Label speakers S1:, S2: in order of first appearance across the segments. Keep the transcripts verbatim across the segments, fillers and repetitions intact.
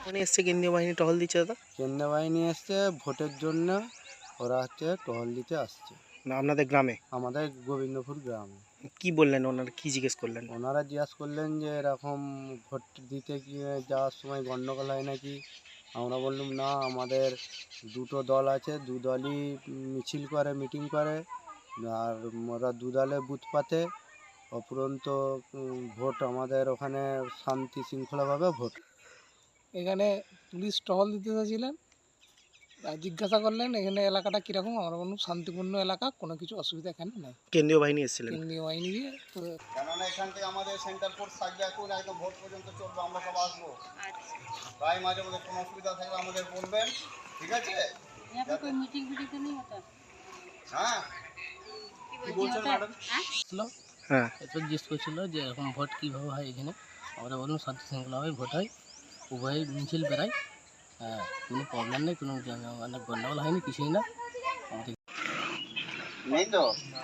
S1: মানে এসছে কেন্দ্রীয় বাহিনী টহল দিচ্ছে দাদা?
S2: কেন্দ্রীয় বাহিনী এসছে ভোটের জন্য, ওরা হচ্ছে টহল দিতে আসছে
S1: না আপনাদের গ্রামে?
S2: আমাদের গোবিন্দপুর গ্রামে।
S1: কি বললেন ওনারা, কি জিজ্ঞেস করলেন?
S2: ওনারা জিজ্ঞাসা করলেন যে এরকম ভোট দিতে গিয়ে যাওয়ার সময় গণ্ডগোল হয় নাকি। আমরা বললাম না, আমাদের দুটো দল আছে, দু দলই মিছিল করে, মিটিং করে, আর ওরা দু দলে বুথ পাতে। অপরন্ত ভোট আমাদের ওখানে শান্তি শৃঙ্খলাভাবে ভোট।
S3: এখানে পুলিশ টহল দিতে চাইছিলেন, জিজ্ঞাসা করলেন এখানে এলাকাটা কীরকম। আমরা বললাম শান্তিপূর্ণ এলাকা, কোনো কিছু অসুবিধা এখানে নাই।
S1: কেন্দ্রীয় বাহিনী এসেছিলেন?
S3: কেন্দ্রীয় বাহিনী দিয়ে তো
S2: কেননা এখান থেকে আমাদের সেন্টার ফোর্স থাকবে, এখন একদম ভোট পর্যন্ত চলবে, আমরা সব আসবো। তাই মাঝে মধ্যে কোনো অসুবিধা থাকলে আমাদের বলবেন, ঠিক আছে?
S4: মিটিং ভিডিং তো নেই হতা।
S2: হ্যাঁ, কি বলছেন ম্যাডাম?
S1: হ্যাঁ,
S5: এরপর জিজ্ঞেস করছিল যে এরকম ভোট কীভাবে হয় এখানে। আমরা বললাম শান্তি শৃঙ্খলাভাবে ভোট হয়, উভয় মিছিল বেড়ায়, হ্যাঁ, কোনো প্রবলেম নেই, কোনো মানে গণ্ডগোল হয়নি, কিছুই না। আমাদের
S2: নেই তো,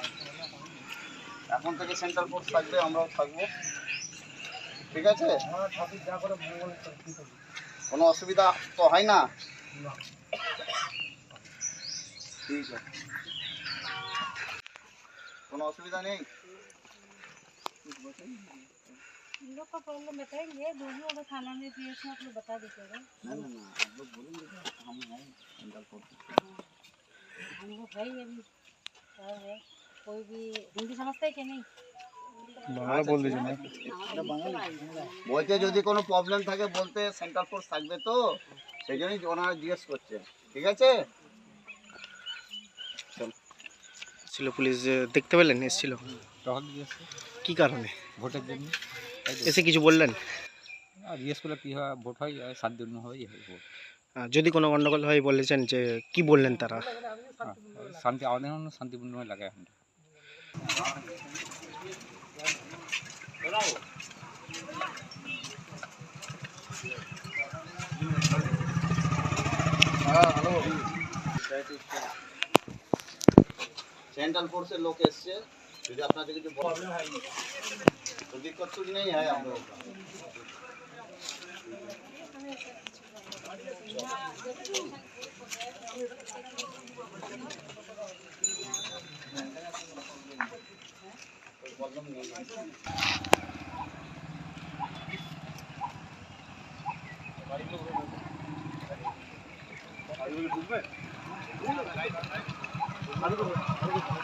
S2: এখন থেকে সেন্ট্রাল ফোর্স থাকবে, আমরাও থাকবো, ঠিক আছে? কোনো অসুবিধা তো হয় না? ঠিক আছে, কোনো অসুবিধা নেই।
S4: इन लोग का प्रॉब्लम बताएंगे, दोनों अगर थाना में भी है आप लोग बता दीजिएगा।
S2: ना ना ना, आप लोग बोलेंगे कि हम हैं सेंट्रल फोर्स।
S4: हम लोग भाई अभी क्या है, कोई भी हिंदी समझता है कि नहीं?
S1: বাংলা বল দিয়েছে না?
S2: বলতে যদি কোনো প্রবলেম থাকে বলতে, সেন্ট্রাল ফোর্স থাকবে তো, সেই জন্যই ওনারা জিজ্ঞেস করছে, ঠিক আছে?
S1: ছিল পুলিশ, দেখতে পেলেন এসেছিল?
S6: টহল দিয়েছে
S1: কি কারণে?
S6: ভোটের জন্য।
S1: এসে কিছু বললেন?
S6: আর জিজ্ঞেস করলে কী হয়, ভোট হয় শান্তিপূর্ণভাবেই হয় ভোট।
S1: আহ, যদি কোনো গন্ডগোল হয় বলেছেন যে কি বললেন তারা?
S6: হ্যাঁ, শান্তি আমাদের জন্য শান্তিপূর্ণভাবে লাগে এখন।
S2: सेंट्रल फोर्स से लोग एसছে, যদি আপনাদের কিছু প্রবলেম হয় তো दिक्कत कुछ नहीं है आप लोगों का। कोई प्रॉब्लम नहीं है। गाड़ी में गाड़ी में घूमने गाड़ी में